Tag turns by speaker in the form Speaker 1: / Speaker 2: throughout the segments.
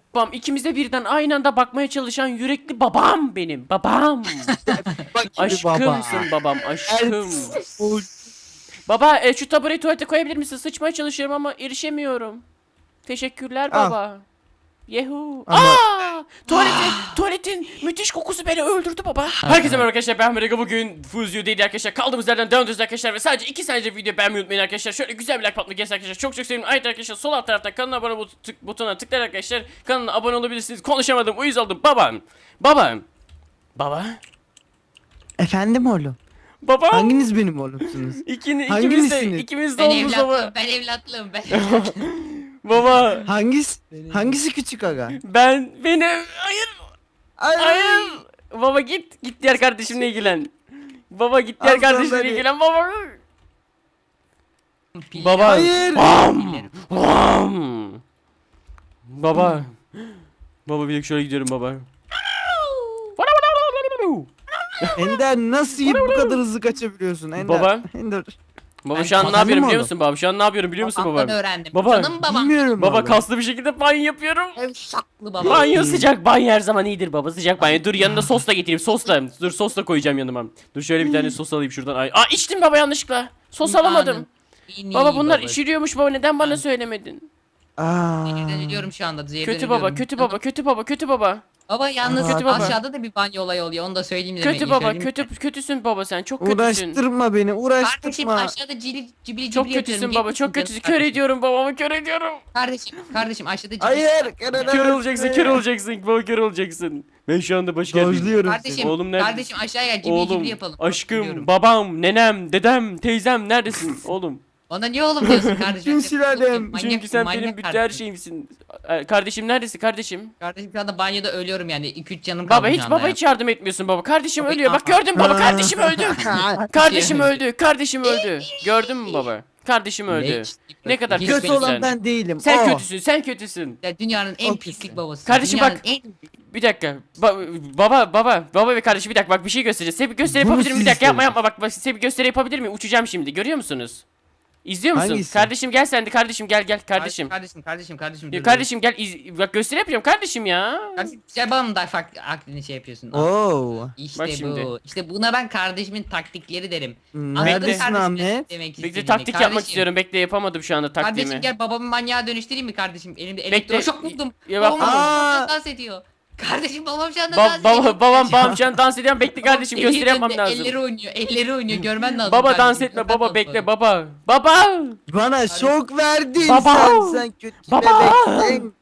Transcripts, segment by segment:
Speaker 1: Babam, ikimiz de birden aynı anda bakmaya çalışan yürekli babam benim. Babam.
Speaker 2: Bak şimdi
Speaker 1: Aşkımsın babam, aşkım. Baba, şu tabureyi tuvalete koyabilir misin? Sıçmaya çalışıyorum ama erişemiyorum. Teşekkürler
Speaker 2: Al.
Speaker 1: baba. Yehu.
Speaker 2: Ama-
Speaker 1: Tuvaletin müthiş kokusu beni öldürdü baba. Herkese merhaba arkadaşlar, ben Merega. Bugün Fuzio değil arkadaşlar. Kaldığımız yerden devam ediyoruz arkadaşlar ve sadece 2 saniye video beğenmeyi unutmayın arkadaşlar. Şöyle güzel bir like patlamak gelsin arkadaşlar. Çok çok sevinirim. Ayrıca arkadaşlar sol alt tarafta kanala abone butonuna tıklayarak arkadaşlar kanala abone olabilirsiniz. Konuşamadım, uyuz oldum. Baba.
Speaker 2: Efendim oğlum.
Speaker 1: Baba.
Speaker 2: Hanginiz benim oğlumsunuz? Hanginizsiniz?
Speaker 1: ikimiz de
Speaker 3: Ben
Speaker 1: oğlumuz baba.
Speaker 3: evlatlığım, ben evlatlığım, ben evlatlığım.
Speaker 1: Baba.
Speaker 2: Hangisi küçük aga?
Speaker 1: Benim. Hayır. Baba git diğer kardeşimle ilgilen. Baba git diğer
Speaker 2: Aslan
Speaker 1: kardeşimle
Speaker 2: beni.
Speaker 1: ilgilen baba.
Speaker 3: Piller-
Speaker 1: Baba.
Speaker 2: Hayır.
Speaker 1: Bam. Baba. Baba bir dakika şöyle gidiyorum baba.
Speaker 2: Ender nasıl bu kadar hızlı kaçabiliyorsun Ender?
Speaker 1: Baba.
Speaker 2: Ender.
Speaker 1: Baba
Speaker 3: Ben
Speaker 1: şu an ne
Speaker 2: kazandım
Speaker 1: yapıyorum
Speaker 2: oğlum.
Speaker 1: biliyor musun baba? Şu an ne yapıyorum biliyor musun
Speaker 3: Babamdan
Speaker 1: baba?
Speaker 3: öğrendim.
Speaker 1: Baba.
Speaker 3: Canım babam.
Speaker 2: Bilmiyorum
Speaker 1: Baba
Speaker 2: oğlum.
Speaker 1: kaslı bir şekilde banyo yapıyorum.
Speaker 3: Saklı babam.
Speaker 1: Banyo sıcak, banyo her zaman iyidir baba, sıcak banyo. Dur yanında sos da getireyim, dur sos da koyacağım yanıma. Dur şöyle bir tane sos alayım şuradan. Ay, içtim baba yanlışlıkla. Sos alamadım. Baba bunlar içiriyormuş baba, neden bana söylemedin?
Speaker 2: Aa.
Speaker 3: Zehirden ölüyorum şu anda. Zehirden
Speaker 1: Kötü baba,
Speaker 3: ölüyorum.
Speaker 1: kötü baba.
Speaker 3: Baba yalnız
Speaker 1: Kötü baba.
Speaker 3: aşağıda da bir banyo olayı oluyor. Onu da söyleyeyim demek.
Speaker 1: Kötü baba, kötüsün baba, sen çok kötüsün.
Speaker 2: Uğraştırma beni,
Speaker 3: Kardeşim
Speaker 2: uğraştırma.
Speaker 3: aşağıda cibili
Speaker 1: Çok
Speaker 3: yapıyorum.
Speaker 1: kötüsün
Speaker 3: Gelir
Speaker 1: baba, çok
Speaker 3: misin
Speaker 1: kötüsün.
Speaker 3: canım
Speaker 1: Kör
Speaker 3: kardeşim?
Speaker 1: ediyorum babamı, kör ediyorum.
Speaker 3: Kardeşim aşağıda cibili.
Speaker 2: Hayır.
Speaker 1: Kör olacaksın baba, kör olacaksın. Ben şu anda baş geldim.
Speaker 2: Dojluyorum
Speaker 3: Kardeşim,
Speaker 2: seni.
Speaker 1: Oğlum nerede?
Speaker 3: kardeşim aşağıya gel. Cibili
Speaker 1: Oğlum,
Speaker 3: yapalım.
Speaker 1: aşkım,
Speaker 3: Biliyorum.
Speaker 1: babam, nenem, dedem, teyzem neredesin oğlum?
Speaker 3: Bana niye oğlum diyorsun kardeşim?
Speaker 2: Bütün sülalem.
Speaker 3: Manyak-
Speaker 1: Çünkü sen
Speaker 3: manyak
Speaker 1: benim bütün her
Speaker 3: kardeşim.
Speaker 1: şeyimsin. Kardeşim neredesin kardeşim?
Speaker 3: Kardeşim şu anda banyoda ölüyorum yani. 2-3 canım kaldı
Speaker 1: Baba
Speaker 3: şu anda ya.
Speaker 1: hiç yardım etmiyorsun baba. Kardeşim
Speaker 3: Baba,
Speaker 1: ölüyor. Bak
Speaker 3: aa.
Speaker 1: gördün mü baba, kardeşim öldü. Kardeşim
Speaker 3: Şey-
Speaker 1: öldü. Kardeşim öldü. Gördün mü baba? Kardeşim öldü.
Speaker 3: Leş.
Speaker 1: Ne kadar
Speaker 3: Hiç
Speaker 2: Kötü
Speaker 1: kötüsün
Speaker 2: olan
Speaker 1: sen.
Speaker 2: ben değilim.
Speaker 1: Sen
Speaker 2: o.
Speaker 1: kötüsün. Sen kötüsün.
Speaker 3: Ya dünyanın en
Speaker 2: O
Speaker 3: pislik
Speaker 2: kötü.
Speaker 3: babası.
Speaker 1: Kardeşim
Speaker 3: Dünyanın
Speaker 1: bak.
Speaker 3: En...
Speaker 1: Bir dakika. Baba ve kardeşim bir dakika, bak bir şey göstereceğiz. Size bir gösteri
Speaker 2: Bunu
Speaker 1: yapabilir miyim? Bir
Speaker 2: siz
Speaker 1: dakika, yapma
Speaker 2: istiyorsunuz.
Speaker 1: bak size bir gösteri yapabilir miyim? Uçacağım şimdi. Görüyor musunuz? İzliyor musun?
Speaker 2: Hangisi?
Speaker 1: Kardeşim gel sen de, kardeşim gel kardeşim.
Speaker 3: Kardeşim.
Speaker 1: Ya kardeşim gel bak gösteri yapacağım kardeşim ya.
Speaker 3: Kardeşim sen bana mı da farklı aklını şey yapıyorsun?
Speaker 2: Oo.
Speaker 3: İşte
Speaker 1: Bak
Speaker 3: bu.
Speaker 1: şimdi.
Speaker 3: İşte buna ben kardeşimin taktikleri derim.
Speaker 2: Neredesin
Speaker 3: kardeşim
Speaker 2: Ahmet?
Speaker 3: demek
Speaker 1: Bekle,
Speaker 3: istediğini.
Speaker 1: taktik yapmak
Speaker 3: Kardeşim,
Speaker 1: istiyorum. Bekle, yapamadım şu anda taktiğimi.
Speaker 3: Kardeşim gel babamı manyağa dönüştüreyim mi kardeşim? Elimde
Speaker 1: Bekle.
Speaker 3: elektroşok buldum.
Speaker 1: Ya bak-
Speaker 3: Babam şu
Speaker 2: Aa.
Speaker 3: anda dans ediyor. Kardeşim babam şu anda dans ediyor.
Speaker 1: Babam şu an dans ediyor. Bekle kardeşim,
Speaker 3: Eli
Speaker 1: gösteri yapmam
Speaker 3: döndü,
Speaker 1: lazım.
Speaker 3: Elleri oynuyor görmen lazım.
Speaker 1: Baba
Speaker 3: kardeşim,
Speaker 1: dans etme
Speaker 3: görmen
Speaker 1: baba,
Speaker 3: lazım.
Speaker 1: bekle baba. Baba!
Speaker 2: Bana şok verdin
Speaker 1: Baba.
Speaker 2: sen kötü
Speaker 1: Baba.
Speaker 2: bebeksin.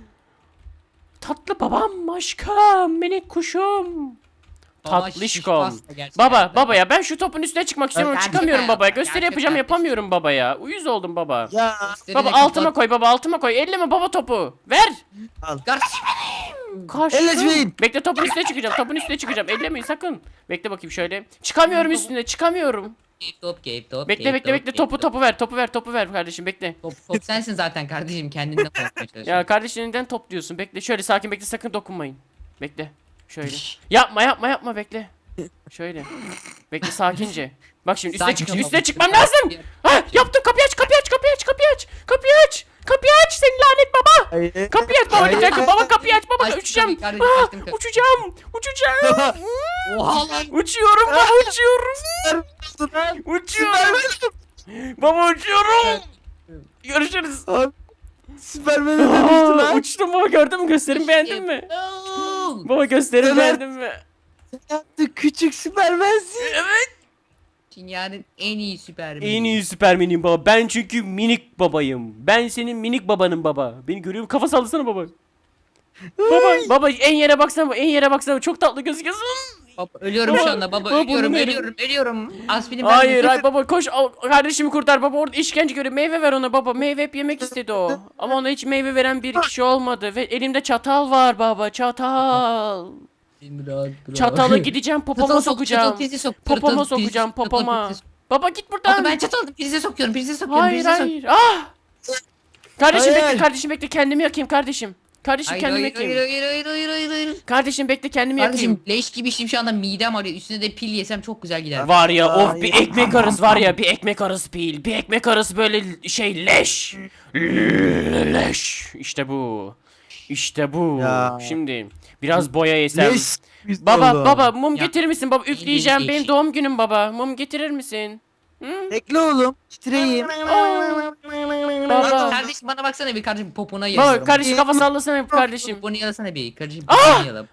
Speaker 1: Tatlı babam, aşkım, minik kuşum.
Speaker 3: Baba
Speaker 1: Tatlışkom.
Speaker 3: şişko gerçekten.
Speaker 1: Baba ya, ben şu topun üstüne çıkmak istiyorum.
Speaker 3: Gerçek
Speaker 1: Çıkamıyorum
Speaker 3: hayat,
Speaker 1: baba.
Speaker 3: gerçek
Speaker 1: Gösteri yapacağım,
Speaker 3: kardeşim.
Speaker 1: yapamıyorum baba ya. Uyuz oldum baba.
Speaker 2: Ya
Speaker 1: Baba altıma koy baba, altıma koy. Elleme baba topu. Ver.
Speaker 3: Kardeşim
Speaker 1: Kaçtım. Bekle, topun üstüne çıkacağım. Topun üstüne çıkacağım. Ellemeyin sakın. Bekle bakayım şöyle. Çıkamıyorum üstüne, çıkamıyorum.
Speaker 3: top.
Speaker 1: Bekle. Topu ver kardeşim, bekle.
Speaker 3: Top sensin zaten kardeşim kendinden korkmaya çalışıyorsun.
Speaker 1: Ya kardeşinden top diyorsun. Bekle şöyle, sakin bekle, sakın dokunmayın. Bekle. Şöyle. Yapma bekle. Şöyle. Bekle sakince. Bak şimdi
Speaker 3: Sakin ol
Speaker 1: üstüne
Speaker 3: baba.
Speaker 1: çıkmam lazım. Ha, yaptım, kapıyı aç. Kapıyı aç seni lanet baba.
Speaker 2: Hayır.
Speaker 1: Kapıyı aç baba,
Speaker 2: Hayır.
Speaker 1: lütfen. Baba kapıyı aç baba,
Speaker 3: Açtım
Speaker 1: uçacağım.
Speaker 3: kapıyı kardeşim,
Speaker 1: Ah,
Speaker 3: açtım kapıyı.
Speaker 1: uçacağım.
Speaker 3: Oha lan.
Speaker 1: Uçuyorum baba, uçuyorum. Baba uçuyorum. Görüşürüz.
Speaker 2: Süpermen'e dönüştü lan.
Speaker 1: Uçtum baba, gördün mü, gösterimi beğendin mi?
Speaker 3: Oo.
Speaker 1: Baba gösterimi
Speaker 2: Evet.
Speaker 1: beğendin mi?
Speaker 2: Yaptı küçük Süpermen'sin.
Speaker 1: Evet.
Speaker 3: Dünyanın en iyi süpermeni.
Speaker 1: En iyi Süpermen'im baba. Ben çünkü minik babayım. Ben senin minik babanım baba. Beni görüyor musun? Kafa sallasana baba. Baba en yere baksana. En yere baksana. Çok tatlı gözüküyorsun.
Speaker 3: Baba, ölüyorum
Speaker 1: Baba,
Speaker 3: şu anda baba,
Speaker 1: baba,
Speaker 3: ölüyorum
Speaker 1: bunu
Speaker 3: ölüyorum. Aspirin
Speaker 1: Hayır
Speaker 3: verdim.
Speaker 1: baba, koş kardeşimi kurtar baba, orada işkence görüyor. Meyve ver ona baba. Meyve hep yemek istedi o. Ama ona hiç meyve veren bir kişi olmadı. Ve elimde çatal var baba, çatal. Çatalı gideceğim popoma sokacağım. Popoma sokacağım, popoma. Baba git
Speaker 3: Baba
Speaker 1: buradan.
Speaker 3: ben çatal prize sokuyorum.
Speaker 1: Hayır. Ah! Kardeşim
Speaker 2: Hayır.
Speaker 1: bekle, kardeşim bekle, kendimi yakayım kardeşim. Kardeşim kendimi yakayım.
Speaker 3: Hayır.
Speaker 1: Kardeşim bekle, kendimi yakayım.
Speaker 3: Kardeşim leş gibi şimdi şu anda midem ağrıyor. Üstüne de pil yesem çok güzel gider.
Speaker 1: Var ya, of
Speaker 2: Ay.
Speaker 1: bir ekmek arası var ya, bir ekmek arası pil, bir ekmek arası böyle şey leş. Leş. İşte bu. İşte bu.
Speaker 2: Ya.
Speaker 1: Şimdi biraz boya yesem.
Speaker 2: Yes, güzel
Speaker 1: Baba
Speaker 2: oldu.
Speaker 1: baba mum
Speaker 3: Ya.
Speaker 1: getirir misin baba? Üfleyeceğim.
Speaker 3: Benim
Speaker 1: Benim
Speaker 3: eşek.
Speaker 1: doğum günüm baba. Mum getirir misin? Hı?
Speaker 2: Bekle oğlum. Titreyim.
Speaker 1: Baba.
Speaker 3: Kardeşim bana baksana bir kardeşim popona
Speaker 1: Baba
Speaker 3: yalıyorum.
Speaker 1: kardeşim kafa sallasana kardeşim.
Speaker 3: Poponu yalasana bir kardeşim poponu yala.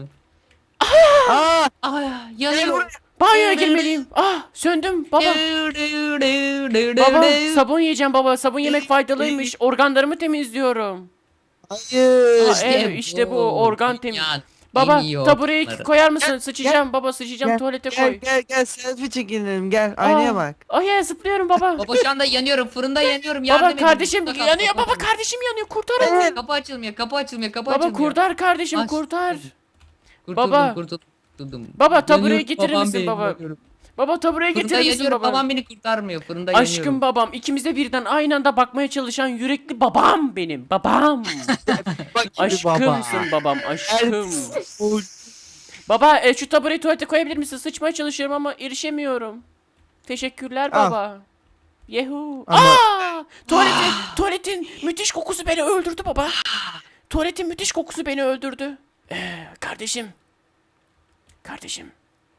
Speaker 2: Aa,
Speaker 3: Yanıyorum.
Speaker 1: Banyoya girmeliyim. Ah söndüm baba. Baba sabun yiyeceğim baba. Sabun yemek faydalıymış. Organlarımı temizliyorum.
Speaker 2: hayır.
Speaker 1: Evet, işte bu, organ temiz. Baba tabureyi koyar mısın? Sıçacağım baba sıçacağım tuvalete
Speaker 2: Gel
Speaker 1: koy.
Speaker 2: gel selfie çekinelim gel aynaya bak.
Speaker 1: Ay ya zıplıyorum baba.
Speaker 3: Baba şu anda yanıyorum fırında yanıyorum yardım
Speaker 1: Baba
Speaker 3: edin.
Speaker 1: kardeşim
Speaker 3: Burada kal,
Speaker 1: yanıyor
Speaker 3: kapı
Speaker 1: baba
Speaker 3: açılmıyor.
Speaker 1: kardeşim yanıyor kurtarın.
Speaker 3: Kapı açılmıyor kapı açılmıyor kapı
Speaker 1: Baba
Speaker 3: açılmıyor.
Speaker 1: kurtar kardeşim
Speaker 3: Aç.
Speaker 1: kurtar.
Speaker 3: Kurtuldum,
Speaker 1: Baba.
Speaker 3: kurtuldum.
Speaker 1: Baba, tabureyi
Speaker 3: Yanıyorum,
Speaker 1: getirir
Speaker 3: babam
Speaker 1: misin
Speaker 3: beni
Speaker 1: baba?
Speaker 3: yanıyorum.
Speaker 1: Baba tabureye
Speaker 3: Fırında
Speaker 1: getirir misin
Speaker 3: yanıyorum
Speaker 1: baba?
Speaker 3: babam beni kurtarmıyor fırında yanıyorum.
Speaker 1: Aşkım babam ikimiz de birden aynı anda bakmaya çalışan yürekli babam benim babam.
Speaker 2: Bak şimdi
Speaker 1: Aşkımsın babam aşkım.
Speaker 2: Oy,
Speaker 1: Baba şu tabureyi tuvalete koyabilir misin? Sıçmaya çalışıyorum ama erişemiyorum. Teşekkürler
Speaker 2: Al.
Speaker 1: baba. Yehu.
Speaker 2: Ama-
Speaker 1: Tuvaletin müthiş kokusu beni öldürdü baba. Tuvaletin müthiş kokusu beni öldürdü. Kardeşim. Kardeşim.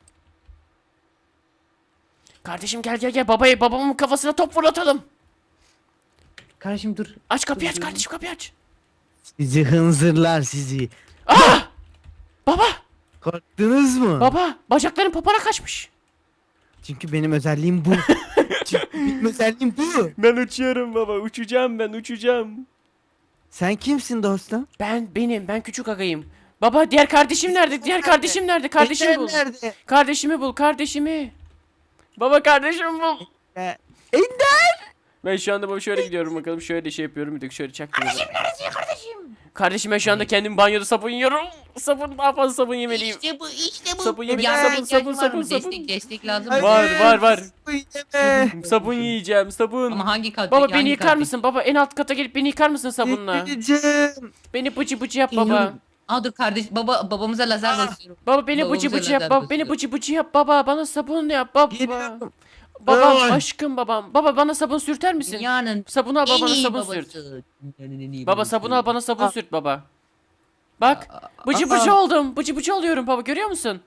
Speaker 1: Kardeşim gel babamın kafasına top fırlatalım.
Speaker 3: Kardeşim dur.
Speaker 1: Aç kapıyı aç kardeşim kapıyı aç.
Speaker 2: Sizi hınzırlar sizi.
Speaker 1: Baba
Speaker 2: Korktunuz mu?
Speaker 1: baba bacakların popona kaçmış.
Speaker 2: Çünkü benim özelliğim bu. Çünkü benim özelliğim bu.
Speaker 1: Ben uçuyorum baba uçacağım ben uçacağım.
Speaker 2: Sen kimsin dostum?
Speaker 1: Ben küçük agayım. Baba diğer kardeşim nerede? Diğer kardeşim nerede? Kardeşimi
Speaker 2: Ender
Speaker 1: bul.
Speaker 2: nerede?
Speaker 1: Kardeşimi bul kardeşimi. Baba kardeşimi bul.
Speaker 2: Ender!
Speaker 1: Ben şu anda baba şöyle gidiyorum bakalım şöyle şey yapıyorum bir de şöyle çaktırıyorum. Kardeşim ben şu anda kendim banyoda sabun yiyorum. Daha fazla sabun yemeliyim.
Speaker 3: İşte bu.
Speaker 1: Sabun yemek,
Speaker 3: Yardıma
Speaker 1: sabun,
Speaker 3: ihtiyacım
Speaker 1: sabun,
Speaker 3: var mı?
Speaker 1: sabun.
Speaker 3: Destek lazım.
Speaker 2: Hayır,
Speaker 1: Var.
Speaker 2: bu yeme.
Speaker 1: Sabun yiyeceğim sabun.
Speaker 3: Ama hangi kat?
Speaker 1: Baba
Speaker 3: peki,
Speaker 1: beni
Speaker 3: hangi
Speaker 1: yıkar
Speaker 3: kat
Speaker 1: mısın? Baba en alt kata gelip beni yıkar mısın sabunla?
Speaker 2: Gideceğim.
Speaker 1: Beni bıcı bıcı yap
Speaker 3: peki?
Speaker 1: baba.
Speaker 3: Geliyorum. Aa dur kardeş babamıza lazer basıyorum.
Speaker 1: Baba beni
Speaker 3: Babamıza
Speaker 1: bıcı bıcı yap
Speaker 3: lazer
Speaker 1: baba. Beni
Speaker 3: basıyorum.
Speaker 1: bıcı bıcı yap baba. Bana sabun yap baba.
Speaker 2: Geliyorum.
Speaker 1: Babam
Speaker 2: Ay.
Speaker 1: aşkım babam. Baba bana sabun sürter misin?
Speaker 3: Dünyanın
Speaker 1: Sabun al
Speaker 3: en
Speaker 1: bana
Speaker 3: iyi
Speaker 1: sabun
Speaker 3: babası.
Speaker 1: sürt.
Speaker 3: Dünyanın en iyi
Speaker 1: Baba
Speaker 3: babası.
Speaker 1: sabun al bana sabun sürt baba. Bak bıcı
Speaker 2: Aa.
Speaker 1: bıcı oldum. Bıcı bıcı oluyorum baba görüyor musun?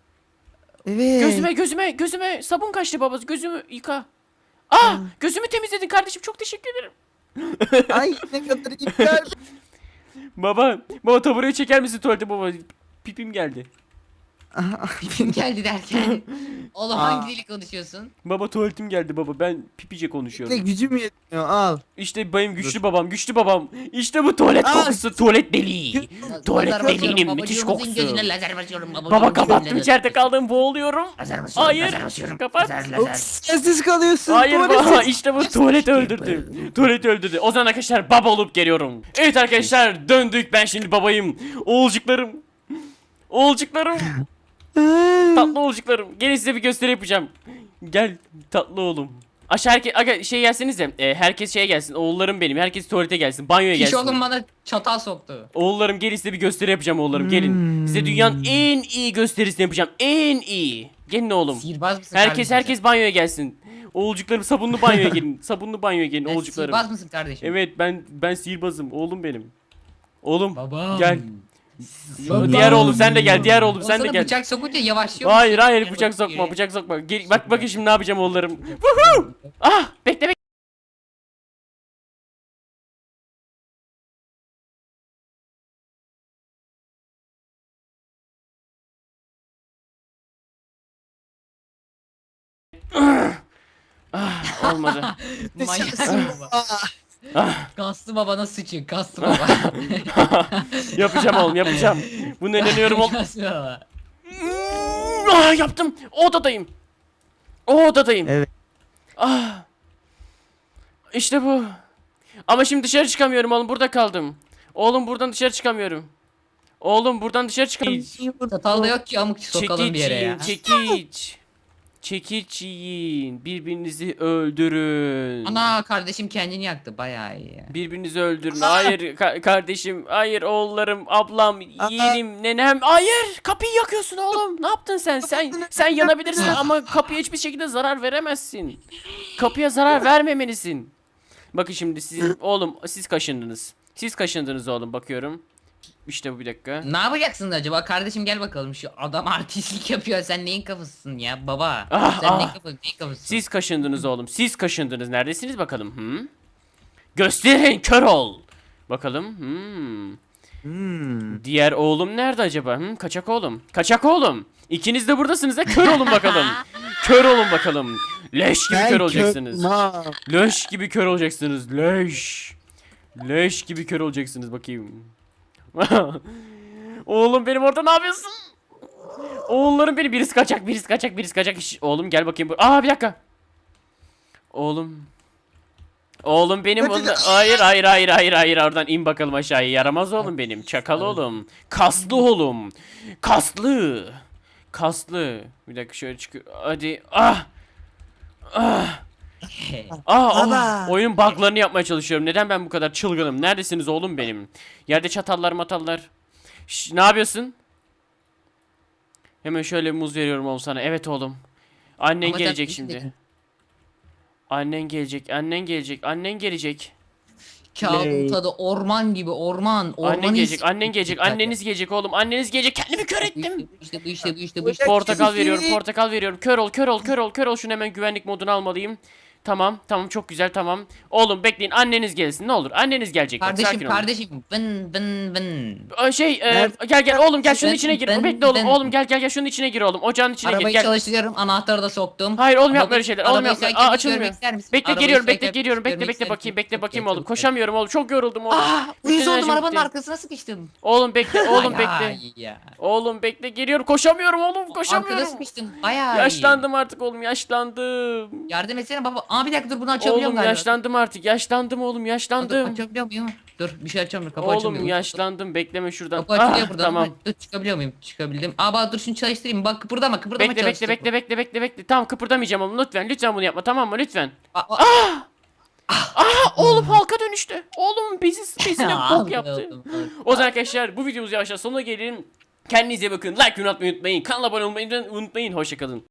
Speaker 2: Evet.
Speaker 1: Gözüme sabun kaçtı baba. Gözümü yıka. Ah gözümü temizledin kardeşim çok teşekkür ederim.
Speaker 2: Ay ne kadar iptal.
Speaker 1: Baba tabureyi çeker misin tuvalete baba? Pipim geldi.
Speaker 3: Kim geldi derken. Oğlum
Speaker 2: Aa.
Speaker 3: hangi dili konuşuyorsun?
Speaker 1: Baba tuvaletim geldi baba ben pipice
Speaker 2: Ne
Speaker 1: konuşuyorum.
Speaker 2: gücüm yetmiyor al.
Speaker 1: İşte benim güçlü babam. İşte bu tuvalet
Speaker 2: Aa.
Speaker 1: kokusu tuvalet deliği. Tuvalet
Speaker 3: Lazer basıyorum,
Speaker 1: deliğinin müthiş
Speaker 3: babacığımızın
Speaker 1: kokusu.
Speaker 3: gözüne lazer basıyorum.
Speaker 1: Baba kapattım içeride kaldım boğuluyorum.
Speaker 3: Lazer basıyorum.
Speaker 1: Hayır,
Speaker 3: Lazer basıyorum.
Speaker 1: kapat.
Speaker 3: Lazer.
Speaker 2: Sessiz kalıyorsun.
Speaker 1: Hayır
Speaker 2: tuvalet
Speaker 1: baba işte bu tuvalet öldürdü. Tuvalet öldürdü. O zaman arkadaşlar baba olup geliyorum. Evet arkadaşlar döndük ben şimdi babayım. Oğulcuklarım. Oğulcuklarım. Tatlı oğulcuklarım. Gelin size bir gösteri yapacağım. Gel tatlı oğlum. Aşağı aga şey gelseniz de herkes şeye gelsin. Oğullarım benim. Herkes tuvalete gelsin. Banyoya
Speaker 3: Piş
Speaker 1: gelsin.
Speaker 3: oğlum bana çatal soktu.
Speaker 1: Oğullarım gelin size bir gösteri yapacağım oğullarım. Gelin. Size dünyanın en iyi gösterisini yapacağım. En iyi. Gelin oğlum.
Speaker 3: Sihirbaz mısın
Speaker 1: Herkes banyoya gelsin. Oğulcuklarım sabunlu banyoya gelin. Sabunlu banyoya gelin
Speaker 3: kardeşim?
Speaker 1: oğulcuklarım.
Speaker 3: Sihirbaz mısın kardeşim?
Speaker 1: Evet ben sihirbazım oğlum benim. Oğlum
Speaker 3: Babam.
Speaker 1: gel.
Speaker 3: Babam.
Speaker 1: Diğer oğlum sen de gel. Diğer oğlum
Speaker 3: O
Speaker 1: sen de
Speaker 3: sana
Speaker 1: gel.
Speaker 3: bıçak sokunca yavaşlıyor
Speaker 1: Hayır
Speaker 3: musun?
Speaker 1: hayır bıçak sokma bıçak sokma. Gel, bakın şimdi ne yapacağım oğullarım. Woohoo! Ah bekle bekle. Olmadı.
Speaker 3: Manyaksın baba. Kaslı babana sıçın kaslı baba.
Speaker 1: Yapacağım oğlum yapacağım. Buna inanıyorum oğlum.
Speaker 3: Kaslı baba.
Speaker 1: Yaptım. O odadayım. O odadayım.
Speaker 2: Evet.
Speaker 1: Ah. İşte bu. Ama şimdi dışarı çıkamıyorum oğlum burada kaldım. Oğlum buradan dışarı çıkamıyorum. Oğlum buradan dışarı çıkamıyorum.
Speaker 3: Çatal da yok ki amık sokalım bir
Speaker 1: Çekiç
Speaker 3: yere
Speaker 1: yiyin,
Speaker 3: ya.
Speaker 1: çekiç. Çekiç yiyin. Birbirinizi öldürün.
Speaker 3: Ana kardeşim kendini yaktı bayağı iyi ya.
Speaker 1: Birbirinizi öldürün. Hayır kardeşim. Hayır oğullarım, ablam, yeğenim, nenem. Hayır! Kapıyı yakıyorsun oğlum. Ne yaptın sen? Sen yanabilirsin ama kapıya hiçbir şekilde zarar veremezsin. Kapıya zarar vermemelisin. Bakın şimdi siz oğlum siz kaşındınız. Siz kaşındınız oğlum bakıyorum. İşte bu bir dakika.
Speaker 3: Ne yapacaksın acaba kardeşim, gel bakalım, şu adam artistlik yapıyor, sen neyin kafasısın ya baba?
Speaker 1: Ah,
Speaker 3: Sen
Speaker 1: ah.
Speaker 3: neyin kafasısın?
Speaker 1: Siz kaşındınız oğlum. Siz kaşındınız. Neredesiniz bakalım? Gösterin kör ol. Bakalım. Diğer oğlum nerede acaba? Kaçak oğlum. Kaçak oğlum. İkiniz de buradasınız da kör olun bakalım. Kör olun bakalım. Leş gibi kör olacaksınız. Leş gibi kör olacaksınız. Leş. Leş gibi kör olacaksınız bakayım. Oğlum benim orada ne yapıyorsun? Oğullarım beni, birisi kaçak, birisi kaçak, birisi kaçak. Oğlum gel bakayım. Bir dakika. Oğlum. Oğlum benim hayır hayır hayır hayır hayır, oradan in bakalım aşağıya. Yaramaz oğlum benim. Çakal oğlum. Kaslı oğlum. Kaslı. Kaslı. Bir dakika şöyle çıkıyor. Hadi.
Speaker 2: Baba.
Speaker 1: Oyunun bug'larını yapmaya çalışıyorum. Neden ben bu kadar çılgınım? Neredesiniz oğlum benim? Yerde çatallar matallar. Ne yapıyorsun? Hemen şöyle bir muz veriyorum oğlum sana. Evet oğlum. Annen
Speaker 3: Ama
Speaker 1: gelecek
Speaker 3: tabii
Speaker 1: şimdi.
Speaker 3: ki.
Speaker 1: Annen gelecek. Annen gelecek. Annen gelecek.
Speaker 3: Kağıdın tadı orman gibi, orman.
Speaker 1: Annen gelecek.
Speaker 3: his-
Speaker 1: Annen gelecek. Anneniz gelecek oğlum. Anneniz gelecek. Kendimi kör ettim.
Speaker 3: Bu işte.
Speaker 1: Portakal veriyorum. Portakal veriyorum. Kör ol, kör ol, kör ol, kör ol. Şunu hemen güvenlik moduna almalıyım. Tamam, tamam, çok güzel, tamam. Oğlum bekleyin, anneniz gelsin ne olur. Anneniz gelecek. Bak,
Speaker 3: Kardeşim,
Speaker 1: sakin olun.
Speaker 3: kardeşim. Ben.
Speaker 1: Gel oğlum, gel şunun
Speaker 3: Ben-
Speaker 1: içine gir.
Speaker 3: ben-
Speaker 1: Bekle oğlum.
Speaker 3: ben-
Speaker 1: Oğlum gel şunun içine gir oğlum. Ocağın içine gir.
Speaker 3: Arabayı
Speaker 1: Gel.
Speaker 3: çalıştırıyorum, anahtarı da soktum.
Speaker 1: Hayır oğlum, yapma
Speaker 3: Arabayı-
Speaker 1: öyle şeyler. Oğlum
Speaker 3: arabayı
Speaker 1: yapma.
Speaker 3: sen kendin
Speaker 1: Açılmıyor.
Speaker 3: görmek ister misin?
Speaker 1: Bekle
Speaker 3: Arabayı
Speaker 1: geliyorum.
Speaker 3: sen
Speaker 1: Bekle
Speaker 3: kendin
Speaker 1: geliyorum.
Speaker 3: görmek
Speaker 1: Bekle
Speaker 3: ister
Speaker 1: bakayım.
Speaker 3: misin?
Speaker 1: Bekle bakayım oğlum.
Speaker 3: Çok
Speaker 1: Koşamıyorum oğlum. Çok yoruldum oğlum.
Speaker 3: Uyuz
Speaker 1: Bütün
Speaker 3: oldum,
Speaker 1: enerjim
Speaker 3: arabanın
Speaker 1: bitti.
Speaker 3: arkasına sıkıştım.
Speaker 1: Oğlum bekle. Oğlum
Speaker 3: Bayağı
Speaker 1: bekle.
Speaker 3: iyi ya.
Speaker 1: Oğlum bekle. Geliyorum. Koşamıyorum oğlum.
Speaker 3: Arkada
Speaker 1: Koşamıyorum.
Speaker 3: sıkıştım. Bayağı iyi.
Speaker 1: Yaşlandım artık oğlum. Yaşlandım.
Speaker 3: Yardım etsene baba. Bir dakika, dur, bunu açabiliyorum
Speaker 1: Oğlum
Speaker 3: galiba.
Speaker 1: yaşlandım artık. Yaşlandım oğlum.
Speaker 3: Dur,
Speaker 1: Yaşlandım.
Speaker 3: açabiliyor muyum? Dur, bir şey açamıyorum. Kapı
Speaker 1: Oğlum
Speaker 3: açamıyorum.
Speaker 1: yaşlandım. Bekleme şuradan.
Speaker 3: Kapı açılıyor buradan.
Speaker 1: Tamam.
Speaker 3: Dur, çıkabiliyor muyum? Çıkabildim. Bak, dur şunu çalıştırayım. Bak, kıpırdama
Speaker 1: Bekle
Speaker 3: çalıştır.
Speaker 1: bekle. Tamam, kıpırdamayacağım oğlum. Lütfen bunu yapma, tamam mı? Lütfen.
Speaker 3: Aa,
Speaker 1: Oğlum halka dönüştü. Oğlum bezine bok yaptı.
Speaker 3: aldım.
Speaker 1: O zaman arkadaşlar bu videomuz yavaşça sonuna gelelim. Kendinize bakın. Like unutmayın. Kanala abone olmayı unutmayın. Hoşçakalın.